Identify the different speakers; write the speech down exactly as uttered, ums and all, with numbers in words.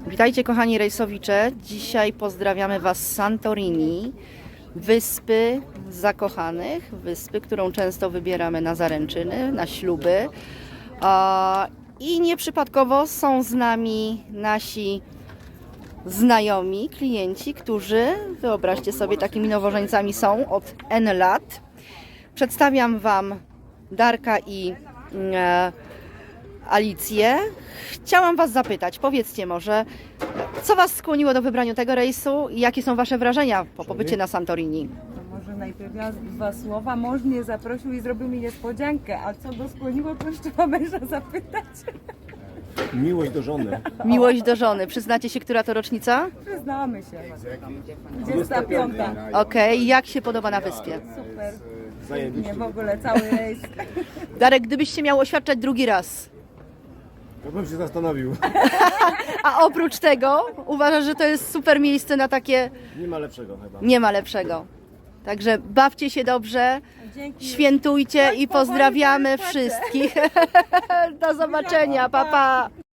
Speaker 1: Witajcie kochani rejsowicze. Dzisiaj pozdrawiamy Was z Santorini, wyspy zakochanych, wyspy, którą często wybieramy na zaręczyny, na śluby. I nieprzypadkowo są z nami nasi znajomi, klienci, którzy, wyobraźcie sobie, takimi nowożeńcami są od N lat. Przedstawiam Wam Darka i e, Alicję. Chciałam Was zapytać, powiedzcie może, co Was skłoniło do wybrania tego rejsu i jakie są Wasze wrażenia po pobycie na Santorini?
Speaker 2: To może najpierw ja dwa słowa. Mąż mnie zaprosił i zrobił mi niespodziankę, a co go skłoniło, to już trzeba męża zapytać.
Speaker 3: Miłość do żony.
Speaker 1: Miłość do żony. Przyznacie się, która to rocznica?
Speaker 2: Przyznamy się. dwudziesta piąta.
Speaker 1: Okej, jak się podoba na wyspie?
Speaker 2: Super.
Speaker 3: Zajebiście.
Speaker 2: Nie, w ogóle cały rejs.
Speaker 1: Darek, gdybyś się miał oświadczać drugi raz,
Speaker 3: To bym się zastanowił.
Speaker 1: a oprócz tego uważasz, że to jest super miejsce na takie,
Speaker 3: Nie ma lepszego chyba.
Speaker 1: nie ma lepszego. Także bawcie się dobrze,
Speaker 2: Dzięki.
Speaker 1: świętujcie i
Speaker 2: powoli
Speaker 1: pozdrawiamy
Speaker 2: płaczę.
Speaker 1: wszystkich. Do zobaczenia, pa pa!